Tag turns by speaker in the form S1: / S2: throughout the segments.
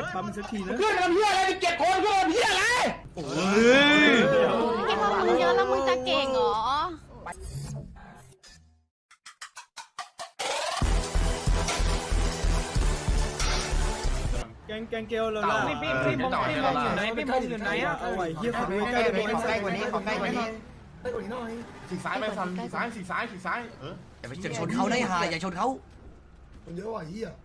S1: ปั๊มสักทีนะ
S2: ขึ้นทำเหี้ยอะไรเก็บคนขึ้นทำเหี้ยอะไร
S3: ที่พอมึงเยอะแล้วมึงจะเก่งเหรอ
S1: แกงเกลเราล่ะ
S2: พี่มงอยู่ไหนพี่มงอยู่ไหนอ่ะ
S1: เอาไว้เฮียขอดูใกล้ๆ
S4: ขอใกล้กว่านี้ขอใกล้กว่านี้
S5: ไปกว่านี้หน่อย
S4: ฉีกซ้ายไปฟันฉีกซ้าย
S6: อย่าไปชนเขาได้หาอย่าชนเขา
S5: มันเยอะว่ะเฮีย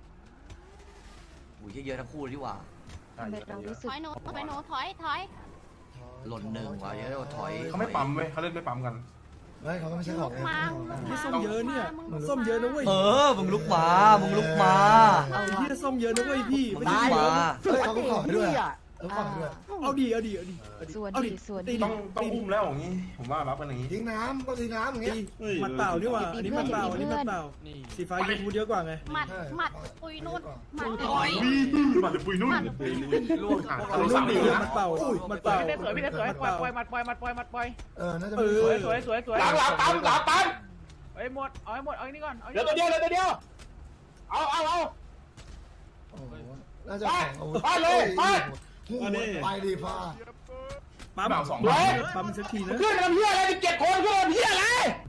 S6: อุ้ยเยอะทั้งคู่ดีกว่า
S3: ถอยหนูถอย
S6: หล่นหนึ่งว่ะเยอะถอย
S4: เขาไม่ปั๊มเว้ยเขาเล่นไม่ปั๊มกัน
S5: ไม่เขาก็ไม่ใช่ของ
S3: มา
S1: เฮียส้มเยอะเนี่ยส้มเยอะนะเว้ย
S6: มึงลุกมามึงลุกมา
S1: เฮียส้มเยอะนะเว้ยพี่
S6: มึ
S1: ไม่
S6: งลุ
S1: ใช่
S6: กมา
S5: เขาก็ขอด้วยเขาขอด้วย
S1: เอาดี
S3: ส่วนดี
S4: ต้องอุ้มแล้วอย่างนี้ผมว่ารับกันอย่างนี้
S5: ทิ้งน้ำก็ทิ้งน้ำอย่างเงี้ย
S1: มันเปล่านี่ว่าอันนี้มันเปล่าสีฟ้ายูทูเยอะกว่าไง
S3: หมัดปุยนุ่นหมัด
S4: มันจะปุยนุ่นล่วงอ่ะ
S1: เอานุ่มดีมันเปล่า
S2: พี่ได้สวยปล่อยมัดปล่อย
S5: น่าจะ
S2: สวยหลังปั๊มเฮ้ยหมดเอาให้หมดเอาอันนี้ก่อนเดี๋ยวตัวเดียวเอา
S5: โอ้น่าจะไปเลยไปดีพา
S1: ปั๊มสักทีนะ
S2: ขึ้นทำเหี้ยอะไรเก็บคนขึ้นทำเหี้ยอะไร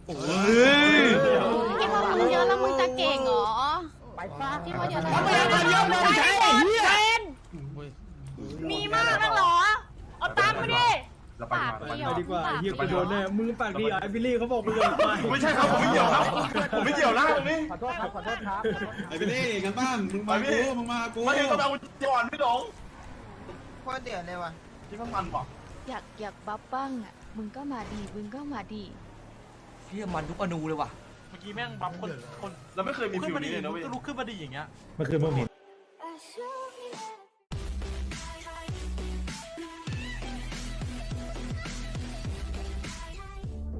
S3: ที่พอมึงเยอะแล้วมึงจะเก่งเหรอที่พอเยอะแล้วมึงใช่เป็นมีมากนักเหรอเอาตังค์มาดิ
S4: เราไป
S1: ไปดีกว่าเฮียกูโดนแน่มึงปากดีไอ้บิลลี่เขาบอกมึงเลยไป
S4: ไม่ใช่ครับผมไม่เกี่ยวครับผมไม่เกี่ยวนะตรงนี้
S2: ขอโทษครับ
S7: ไอ้พี่เล่กันบ้างมึงมากู
S4: ไม่ได้ต้องเอาจอนพี่หลงโคตรเดือดเลยว่ะที่ข้างมันบอก
S3: อยากบัฟบ้างอ่ะมึงก็มาดี
S6: เฮียมันทุกอนูเลยว่ะ
S2: เมื่อกี้แม่งบัฟคน
S4: เราไม่เคยมีฟิลนี้เลยนะเว้ย
S2: ก็ลุกขึ้นมาดีอย่างเงี้ย
S8: เมื่อคืนมึงเห็น